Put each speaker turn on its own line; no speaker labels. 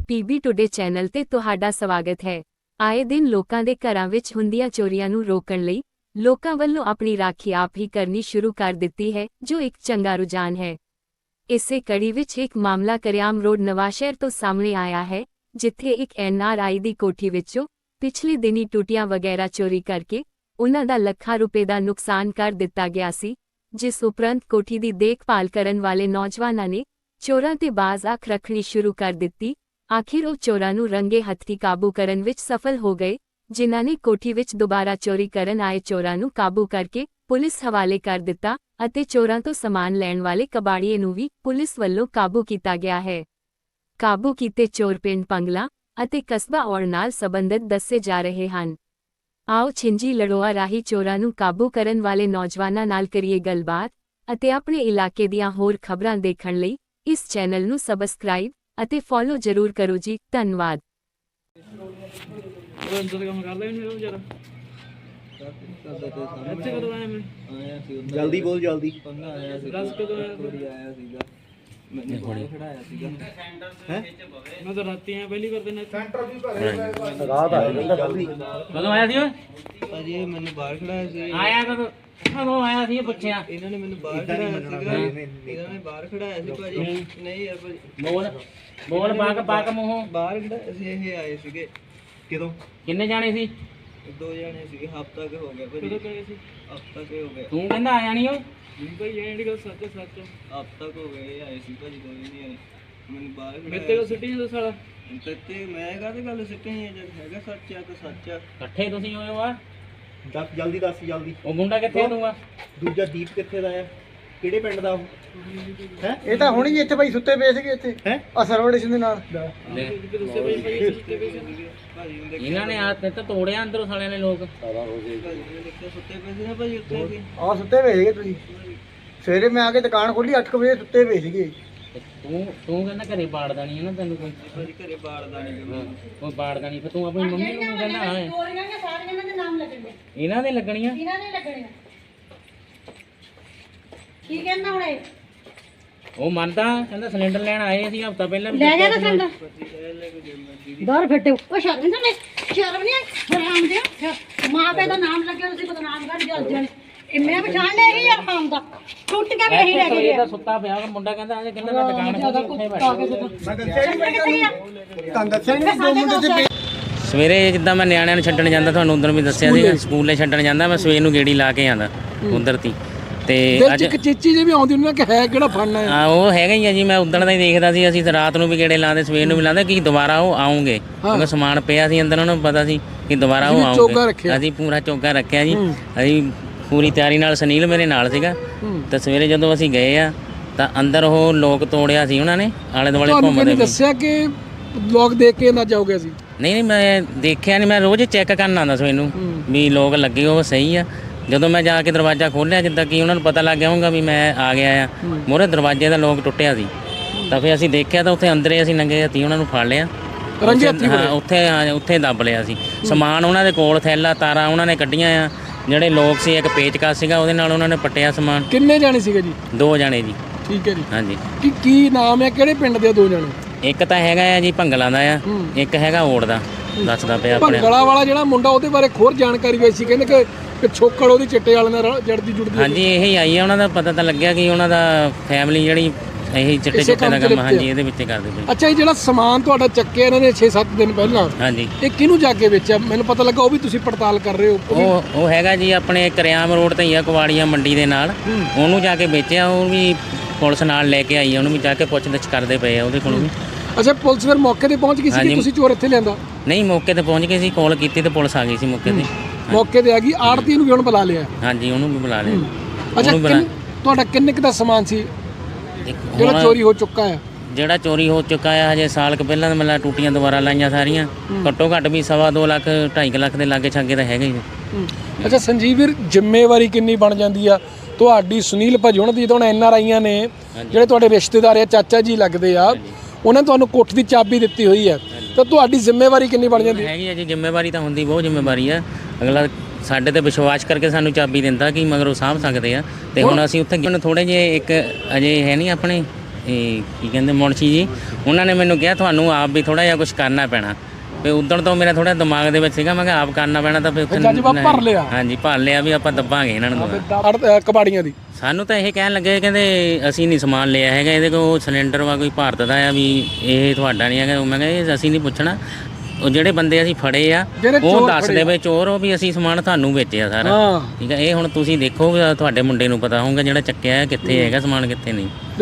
PB today channel ਤੇ ਤੁਹਾਡਾ ਸਵਾਗਤ ਹੈ। ਆਏ ਦਿਨ ਲੋਕਾਂ ਦੇ ਘਰਾਂ ਵਿੱਚ ਹੁੰਦੀਆਂ ਚੋਰੀਆਂ ਨੂੰ ਰੋਕਣ ਲਈ ਲੋਕਾਂ ਵੱਲੋਂ ਆਪਣੀ ਰਾਖੀ ਆਪ ਹੀ ਕਰਨੀ ਸ਼ੁਰੂ ਕਰ ਦਿੱਤੀ ਹੈ, ਜੋ ਇੱਕ ਚੰਗਾ ਰੁਝਾਨ ਹੈ। ਇਸੇ ਕੜੀ ਵਿੱਚ ਇੱਕ ਮਾਮਲਾ ਕਰਿਆਮ ਰੋਡ ਨਵਾਂਸ਼ਹਿਰ ਤੋਂ ਸਾਹਮਣੇ ਆਇਆ ਹੈ, ਜਿੱਥੇ ਇੱਕ NRI ਦੀ ਕੋਠੀ ਵਿੱਚੋਂ ਪਿਛਲੇ ਦਿਨੀ ਟੂਟੀਆਂ ਵਗੈਰਾ ਚੋਰੀ ਕਰਕੇ ਉਨ੍ਹਾਂ ਦਾ ਲੱਖਾਂ ਰੁਪਏ ਦਾ ਨੁਕਸਾਨ ਕਰ ਦਿੱਤਾ ਗਿਆ ਸੀ, ਜਿਸ ਉਪਰੰਤ ਕੋਠੀ ਦੀ ਦੇਖਭਾਲ ਕਰਨ ਵਾਲੇ ਨੌਜਵਾਨਾਂ ਨੇ ਚੋਰਾਂ ਤੇ ਬਾਜ਼ ਅੱਖ ਰੱਖਣੀ ਸ਼ੁਰੂ ਕਰ ਦਿੱਤੀ। ਆਖਿਰ ਉਹ ਚੋਰਾਂ ਨੂੰ ਰੰਗੇ ਹੱਥੀਂ ਕਾਬੂ ਕਰਨ ਵਿੱਚ ਸਫਲ ਹੋ ਗਏ, ਜਿਨ੍ਹਾਂ ਨੇ ਕੋਠੀ ਵਿੱਚ ਦੁਬਾਰਾ ਚੋਰੀ ਕਰਨ ਆਏ ਚੋਰਾਂ ਨੂੰ ਕਾਬੂ ਕਰਕੇ ਪੁਲਿਸ ਹਵਾਲੇ ਕਰ ਦਿੱਤਾ ਅਤੇ ਚੋਰਾਂ ਤੋਂ ਸਮਾਨ ਲੈਣ ਵਾਲੇ ਕਬਾੜੀਏ ਨੂੰ ਵੀ ਪੁਲਿਸ ਵੱਲੋਂ ਕਾਬੂ ਕੀਤਾ ਗਿਆ ਹੈ। ਕਾਬੂ ਕੀਤੇ ਚੋਰ ਪਿੰਡ ਪੰਗਲਾ ਅਤੇ ਕਸਬਾ ਔੜ ਨਾਲ ਸੰਬੰਧਿਤ ਦੱਸੇ ਜਾ ਰਹੇ ਹਨ। ਆਓ ਛਿੰਜੀ ਲੜੋਆ ਰਾਹੀਂ ਚੋਰਾਂ ਨੂੰ ਕਾਬੂ ਕਰਨ ਵਾਲੇ ਨੌਜਵਾਨਾਂ ਨਾਲ ਕਰੀਏ ਗੱਲਬਾਤ ਅਤੇ ਆਪਣੇ ਇਲਾਕੇ ਦੀਆਂ ਹੋਰ ਖਬਰਾਂ ਦੇਖਣ ਲਈ ਇਸ ਚੈਨਲ ਨੂੰ ਸਬਸਕ੍ਰਾਈਬ ਅਤੇ ਫੋਲੋ ਜ਼ਰੂਰ ਕਰੋ ਜੀ। ਧੰਨਵਾਦ।
ਜਲਦੀ ਬੋਲ ਜਲਦੀ।
ਮੈਂ ਤਾਂ ਰਾਤੀ ਆਇਆ ਪਹਿਲੀ ਵਾਰ ਦਿਨ
ਰਾਤ ਆ ਜਾਂਦਾ ਜਲਦੀ।
ਕਦੋਂ ਆਇਆ ਸੀ ਓਏ?
ਭਾਜੀ ਮੈਨੂੰ ਬਾਹਰ ਖੜਾਇਆ ਸੀ।
ਆਇਆ ਕਦੋਂ ਆਇਆ ਸੀ? ਪੁੱਛਿਆ
ਇਹਨਾਂ ਨੇ ਮੈਨੂੰ ਬਾਹਰ ਖੜਾਇਆ ਸੀਗਾ। ਇਹਨਾਂ ਨੇ ਬਾਹਰ ਖੜਾਇਆ ਸੀ ਭਾਜੀ। ਨਹੀਂ ਯਾਰ ਭਾਜੀ
ਬੋਲ ਬਾਕ ਮੂੰਹੋਂ
ਬਾਹਰ ਖੜਾਇਆ ਸੀ। ਇਹ ਆਏ ਸੀਗੇ।
ਕਿਦੋਂ?
ਕਿੰਨੇ ਜਾਣੇ ਸੀ?
ਦੋ ਜਾਣੇ ਸੀਗੇ। ਹਫ਼ਤਾ ਕੁ ਹੋ ਗਿਆ ਭਾਜੀ। ਹਫ਼ਤਾ ਕੁ ਹੋ ਗਿਆ।
ਤੂੰ ਕਹਿੰਦਾ ਆਇਆ ਨਹੀਂ ਓਏ?
ਭਾਈ ਜਿਹੜੀ ਗੱਲ ਸੱਚ ਹਫ਼ਤਾ ਕੁ ਹੋ ਗਿਆ ਇਹ ਆਏ ਸੀ ਭਾਜੀ। ਦੋ ਜਣੇ ਆਏ ਮੈਨੂੰ ਬਾਹਰ
ਮੇਰੇ ਤੇ ਸਿੱਟੀ ਜਾਂਦਾ ਸਾਲਾ।
ਤੇ ਮੈਂ ਕਾਹਦੇ ਗੱਲ ਸਿੱਟੀ ਹੈ? ਜਦ ਹੈਗਾ ਸੱਚ ਆ ਤਾਂ ਸੱਚ ਆ।
ਇਕੱਠੇ ਤੁਸੀਂ ਹੋਏ ਹੋ ਆ?
ਦੱਸ ਜਲਦੀ, ਦੱਸ ਜਲਦੀ।
ਉਹ ਮੁੰਡਾ ਕਿੱਥੇ ਆ ਤੂੰ ਆ?
ਦੂਜਾ ਦੀਪ ਕਿੱਥੇ ਦਾ ਆ? ਕਿਹੜੇ ਪਿੰਡ ਦਾ ਉਹ ਹੈ?
ਇਹ ਤਾਂ ਹੁਣੀ ਇੱਥੇ ਭਾਈ ਸੁੱਤੇ ਪਏ ਸੀਗੇ ਇੱਥੇ
ਹੈ
ਆ ਸਰਵੜੇਸ਼ਨ ਦੇ ਨਾਲ।
ਇਹਨਾਂ ਨੇ ਆ ਤੇ ਤੋੜਿਆ ਅੰਦਰੋਂ ਸਾਲਿਆਂ ਨੇ ਲੋਕ।
ਸੁੱਤੇ ਪਏ ਸੀ ਨਾ ਭਾਜੀ ਉੱਥੇ ਅਸੀਂ।
ਆ ਸੁੱਤੇ ਪਏ ਸੀਗੇ ਤੁਸੀਂ। ਸਵੇਰੇ ਮੈਂ ਆ ਕੇ ਦੁਕਾਨ ਖੋਲੀ 8 ਵਜੇ ਸੁੱਤੇ ਪਏ ਸੀਗੇ।
ਤੂੰ ਕਹਿੰਦਾ ਘਰੇ ਬਾੜਦਾ ਨਹੀਂ ਹੈ ਨਾ ਤੈਨੂੰ ਕੋਈ?
ਭਾਜੀ ਘਰੇ ਬਾੜਦਾ ਨਹੀਂ
ਕੋਈ ਬਾੜਦਾ ਨਹੀਂ, ਫਿਰ ਤੂੰ ਆਪਣੀ ਮੰਮੀ ਨੂੰ ਕਹਿੰਦਾ ਹਾਂ
ਸਾਰੀਆਂ ਦੇ ਨਾਮ ਲੱਗਣਗੇ।
ਇਹਨਾਂ ਦੇ ਲੱਗਣੀਆਂ।
ਇਹਨਾਂ ਨੇ ਲੱਗਣੇ ਕੀ ਕਹਿੰਦਾ ਹੁਣ ਇਹ?
ਉਹ ਮੰਨਦਾ, ਕਹਿੰਦਾ ਸਿਲੰਡਰ ਲੈਣ ਆਏ ਸੀ ਹਫਤਾ ਪਹਿਲਾਂ ਵੀ।
ਲੈ ਜਾ ਨਾ ਸੰਦਾ ਬਾਹਰ ਫੱਟੇ ਉਹ ਸ਼ਰਮ ਨਹੀਂ ਹਰਾਮ ਦੇ ਮਾਂ ਪਿਓ ਦਾ ਨਾਮ ਲੱਗਿਆ ਤੁਸੀਂ ਬਦਨਾਮ ਕਰ ਜਲ ਜਲ। ਇਹ ਮੈਂ ਪਛਾਣ ਲਿਆ ਇਹ ਹਰਾਮ ਦਾ ਟੁੱਟ ਕੇ ਵੀ ਨਹੀਂ ਲੈ ਕੇ ਗਿਆ।
ਸੁੱਤਾ ਪਿਆ ਮੁੰਡਾ ਕਹਿੰਦਾ ਆ ਕਹਿੰਦਾ ਮੈਂ ਦੁਕਾਨ
ਜ਼ਿਆਦਾ
ਉੱਥੇ
ਕੁੱਤਾ ਕੇ
ਤਾਂ ਦੱਸਿਆ ਨਹੀਂ ਦੋ ਮੁੰਡੇ ਤੇ
ਸਵੇਰੇ ਜਿੱਦਾਂ ਮੈਂ ਨਿਆਣਿਆਂ ਨੂੰ ਛੱਡਣ ਜਾਂਦਾ, ਤੁਹਾਨੂੰ ਉਧਰ ਵੀ ਦੱਸਿਆ ਸੀਗਾ, ਸਕੂਲੇ ਛੱਡਣ ਜਾਂਦਾ ਮੈਂ ਸਵੇਰ ਨੂੰ ਗੇੜੀ ਲਾ ਕੇ ਆਉਂਦਾ ਉਧਰ ਤੀ। ਤੇ ਅੱਜ
ਇੱਕ ਚੀਚੀ ਜੇ ਵੀ ਆਉਂਦੀ ਉਹਨਾਂ ਕਿ ਹੈ ਕਿਹੜਾ ਫੜਨਾ ਹੈ।
ਹਾਂ ਉਹ ਹੈਗਾ ਹੀ ਆ ਜੀ। ਮੈਂ ਉਦਣ ਦਾ ਹੀ ਦੇਖਦਾ ਸੀ। ਅਸੀਂ ਰਾਤ ਨੂੰ ਵੀ ਗੇੜੇ ਲਾਉਂਦੇ, ਸਵੇਰ ਨੂੰ ਵੀ ਲਾਉਂਦੇ ਕਿ ਦੁਬਾਰਾ ਉਹ ਆਉਂਗੇ, ਕਿਉਂਕਿ ਸਮਾਨ ਪਿਆ ਸੀ ਅੰਦਰ, ਉਹਨਾਂ ਨੂੰ ਪਤਾ ਸੀ ਕਿ ਦੁਬਾਰਾ ਉਹ ਆਉਂਗੇ। ਅਸੀਂ ਪੂਰਾ ਚੌਗਾ ਰੱਖਿਆ ਜੀ। ਅਸੀਂ ਪੂਰੀ ਤਿਆਰੀ ਨਾਲ, ਸੁਨੀਲ ਮੇਰੇ ਨਾਲ ਸੀਗਾ। ਤਾਂ ਸਵੇਰੇ ਜਦੋਂ ਅਸੀਂ ਗਏ ਆ ਤਾਂ ਅੰਦਰ ਉਹ ਲੋਕ ਤੋੜਿਆ ਸੀ ਉਹਨਾਂ ਨੇ, ਆਲੇ ਦੁਆਲੇ ਘੁੰਮਦੇ।
ਦੱਸਿਆ ਕਿ ਲੋਕ ਦੇਖ ਕੇ ਨਾ ਜਾਓਗੇ ਅਸੀਂ?
ਨਹੀਂ ਮੈਂ ਦੇਖਿਆ ਨਹੀਂ, ਮੈਂ ਰੋਜ਼ ਚੈੱਕ ਕਰਨ ਆਉਂਦਾ ਸਵੇਰ ਨੂੰ ਵੀ ਲੋਕ ਲੱਗੇ ਉਹ ਸਹੀ ਆ। ਜਦੋਂ ਮੈਂ ਜਾ ਕੇ ਦਰਵਾਜ਼ਾ ਖੋਲ੍ਹਿਆ, ਜਿੱਦਾਂ ਕਿ ਉਹਨਾਂ ਨੂੰ ਪਤਾ ਲੱਗ ਗਿਆ ਹੋਊਗਾ ਵੀ ਮੈਂ ਆ ਗਿਆ ਆ, ਮੂਹਰੇ ਦਰਵਾਜ਼ੇ ਦਾ ਲੋਕ ਟੁੱਟਿਆ ਸੀ। ਤਾਂ ਫਿਰ ਅਸੀਂ ਦੇਖਿਆ ਤਾਂ ਉੱਥੇ ਅੰਦਰੇ ਅਸੀਂ ਨੰਗੇ ਹੱਥੀਂ ਉਹਨਾਂ ਨੂੰ ਫੜ ਲਿਆ। ਹਾਂ ਉੱਥੇ ਦੱਬ ਲਿਆ ਸੀ ਸਮਾਨ। ਉਹਨਾਂ ਦੇ ਕੋਲ ਥੈਲਾ ਤਾਰਾਂ ਉਹਨਾਂ ਨੇ ਕੱਢੀਆਂ ਆ, ਜਿਹੜੇ ਲੋਕ ਸੀ ਇੱਕ ਪੇਚਕਸ ਸੀਗਾ ਉਹਦੇ ਨਾਲ ਉਹਨਾਂ ਨੇ ਪੱਟਿਆ ਸਮਾਨ।
ਕਿੰਨੇ ਜਾਣੇ ਸੀਗੇ ਜੀ?
2 ਜਾਣੇ ਜੀ।
ਠੀਕ ਹੈ ਜੀ।
ਹਾਂਜੀ।
ਕੀ ਨਾਮ ਹੈ, ਕਿਹੜੇ ਪਿੰਡ ਦੇ 2 ਜਾਣੇ?
ਇੱਕ ਤਾਂ ਹੈਗਾ ਆ ਜੀ ਭੰਗਲਾਂ ਦਾ ਆ, ਇੱਕ ਹੈਗਾ ਓੜ ਦਾ। ਦੱਸਦਾ ਪਿਆ ਆਪਣੇ
ਭੰਗਲਾ ਵਾਲਾ ਜਿਹੜਾ ਮੁੰਡਾ, ਉਹਦੇ ਬਾਰੇ ਹੋਰ ਜਾਣਕਾਰੀ ਹੋਈ ਸੀ, ਕਹਿੰਦੇ ਕਿ ਛੋਕੜ ਉਹਦੀ ਚਿੱਟੇ ਵਾਲੇ ਨਾਲ ਜੜਦੀ ਜੁੜਦੀ।
ਹਾਂਜੀ ਇਹੀ ਆਈ ਆ। ਉਹਨਾਂ ਦਾ ਪਤਾ ਤਾਂ ਲੱਗਿਆ ਕਿ ਉਹਨਾਂ ਦਾ ਫੈਮਿਲੀ ਜਿਹੜੀ ਇਹੀ ਚਿੱਟੇ ਦਾ ਕੰਮ ਹਾਂਜੀ ਇਹਦੇ ਵਿੱਚ ਕਰਦੇ ਪਏ।
ਅੱਛਾ, ਇਹ ਜਿਹੜਾ ਸਮਾਨ ਤੁਹਾਡਾ ਚੱਕਿਆ ਇਹਨਾਂ ਨੇ 6-7 ਦਿਨ ਪਹਿਲਾਂ,
ਹਾਂਜੀ
ਇਹ ਕਿਹਨੂੰ ਜਾ ਕੇ ਵੇਚਿਆ? ਮੈਨੂੰ ਪਤਾ ਲੱਗਾ ਉਹ ਵੀ ਤੁਸੀਂ ਪੜਤਾਲ ਕਰ ਰਹੇ ਹੋ।
ਉਹ ਹੈਗਾ ਜੀ ਆਪਣੇ ਕਰਿਆਮ ਰੋਡ ਤੇ ਹੀ ਆ, ਕੁਵਾੜੀਆਂ ਮੰਡੀ ਦੇ ਨਾਲ। ਉਹਨੂੰ ਜਾ ਕੇ ਵੇਚਿਆ। ਉਹ ਵੀ ਪੁਲਿਸ ਨਾਲ ਲੈ ਕੇ ਆਈ ਆ, ਉਹਨੂੰ ਵੀ ਜਾ ਕੇ ਪੁੱਛਗਿੱਛ ਕਰਦੇ ਪਏ ਆ ਉਹਦੇ ਕੋਲੋਂ ਵੀ।
ਅੱਛਾ, ਪੁਲਿਸ ਫਿਰ ਮੌਕੇ ਤੇ ਪਹੁੰਚ ਗਈ ਸੀ ਕਿ ਤੁਸੀਂ ਚੋਰ ਇੱਥੇ ਲਿਆਂਦਾ?
ਨਹੀਂ ਮੌਕੇ ਤੇ ਪਹੁੰਚ ਗਏ ਸੀ, ਕਾਲ ਕੀਤੀ ਤੇ ਪੁਲਿਸ ਆ ਗਈ ਸੀ ਮੌਕੇ ਤੇ।
ਮੌਕੇ ਤੇ ਆ ਗਈ। ਆੜਤੀ ਨੂੰ ਵੀ ਹੁਣ ਬੁਲਾ ਲਿਆ?
ਹਾਂਜੀ ਉਹਨੂੰ ਵੀ ਬੁਲਾ ਲਿਆ।
ਅੱਛਾ, ਤੁਹਾਡਾ ਕਿੰਨੇ ਕੁ ਦਾ ਸਮਾਨ ਸੀ ਜਿਹੜਾ ਚੋਰੀ ਹੋ ਚੁੱਕਾ ਹੈ?
ਜਿਹੜਾ ਚੋਰੀ ਹੋ ਚੁੱਕਾ ਹੈ ਹਜੇ ਸਾਲ ਕੁ ਪਹਿਲਾਂ ਮਤਲਬ ਟੂਟੀਆਂ ਦੁਬਾਰਾ ਲਾਈਆਂ ਸਾਰੀਆਂ, ਘੱਟੋ ਘੱਟ ਵੀ 2.5 ਲੱਖ 2.5 ਲੱਖ ਦੇ ਲਾਗੇ ਛਾਗੇ ਤਾਂ ਹੈਗਾ ਹੀ।
ਅੱਛਾ ਸੰਜੀਵ ਵੀਰ, ਜ਼ਿੰਮੇਵਾਰੀ ਕਿੰਨੀ ਬਣ ਜਾਂਦੀ ਆ ਤੁਹਾਡੀ? ਸੁਨੀਲ ਭਾਜੀ ਹੁਣ ਦੀ ਤਾਂ NRIਆਂ ਨੇ ਜਿਹੜੇ ਤੁਹਾਡੇ ਰਿਸ਼ਤੇਦਾਰ ਆ, ਚਾਚਾ ਜੀ ਲੱਗਦੇ ਆ, ਉਹਨਾਂ ਨੇ ਤੁਹਾਨੂੰ ਕੋਠ ਦੀ ਚਾਬੀ ਦਿੱਤੀ ਹੋਈ ਹੈ, ਤਾਂ ਤੁਹਾਡੀ ਜ਼ਿੰਮੇਵਾਰੀ ਕਿੰਨੀ ਬਣ ਜਾਂਦੀ?
ਹੈਗੀ ਹੈ ਜੀ ਜ਼ਿੰਮੇਵਾਰੀ ਤਾਂ ਹੁੰਦੀ, ਬਹੁਤ ਜ਼ਿੰਮੇਵਾਰੀ ਆ। ਅਗਲਾ ਸਾਡੇ ਤੇ ਵਿਸ਼ਵਾਸ ਕਰਕੇ ਸਾਨੂੰ ਚਾਬੀ ਦਿੰਦਾ ਕਿ ਮਗਰ ਉਹ ਸਾਂਭ ਸਕਦੇ ਆ। ਤੇ ਹੁਣ ਅਸੀਂ ਉੱਥੇ ਥੋੜੇ ਜਿਹੇ ਇੱਕ ਅਜੇ ਹੈ ਨਹੀਂ ਆਪਣੇ ਇਹ ਕੀ ਕਹਿੰਦੇ ਮੁਨਸ਼ੀ ਜੀ, ਉਹਨਾਂ ਨੇ ਮੈਨੂੰ ਕਿਹਾ ਤੁਹਾਨੂੰ ਆਪ ਵੀ ਥੋੜਾ ਜਿਹਾ ਕੁਝ ਕਰਨਾ ਪੈਣਾ। ਤੇ ਉਦੋਂ ਤੋਂ ਮੇਰਾ ਥੋੜਾ ਦਿਮਾਗ ਦੇ ਵਿੱਚ ਸੀਗਾ, ਮੈਂ ਕਿਹਾ ਆਪ ਕਰਨਾ ਪੈਣਾ ਤਾਂ ਫਿਰ
ਜਜ਼ਬਾ ਭਰ ਲਿਆ।
ਹਾਂਜੀ ਭਰ ਲਿਆ ਵੀ ਆਪਾਂ ਦੱਬਾਂਗੇ ਇਹਨਾਂ ਨੂੰ।
ਕਬਾੜੀਆਂ ਦੀ
ਸਾਨੂੰ ਤਾਂ ਇਹ ਕਹਿਣ ਲੱਗੇ, ਕਹਿੰਦੇ ਅਸੀਂ ਨਹੀਂ ਸਮਾਨ ਲਿਆ ਹੈਗਾ, ਇਹਦੇ ਕੋਲ ਸਿਲੰਡਰ ਵਾ ਕੋਈ ਭਾਰਤ ਦਾ ਆ, ਵੀ ਇਹ ਤੁਹਾਡਾ ਨਹੀਂ ਹੈਗਾ। ਮੈਂ ਕਿਹਾ ਇਹ ਅਸੀਂ ਨਹੀਂ ਪੁੱਛਣਾ, ਉਹ ਜਿਹੜੇ ਬੰਦੇ ਅਸੀਂ ਫੜੇ ਆ ਉਹ ਦੱਸ ਦੇਵੇ ਚੋਰ ਉਹ ਵੀ ਅਸੀਂ ਸਮਾਨ ਤੁਹਾਨੂੰ ਵੇਚਿਆ ਸਾਰਾ। ਠੀਕ ਹੈ, ਇਹ ਹੁਣ ਤੁਸੀਂ ਦੇਖੋ ਤੁਹਾਡੇ ਮੁੰਡੇ ਨੂੰ ਪਤਾ ਹੋਊਗਾ ਜਿਹੜਾ ਚੱਕਿਆ ਕਿੱਥੇ ਹੈਗਾ ਸਮਾਨ ਕਿੱਥੇ ਨਹੀਂ।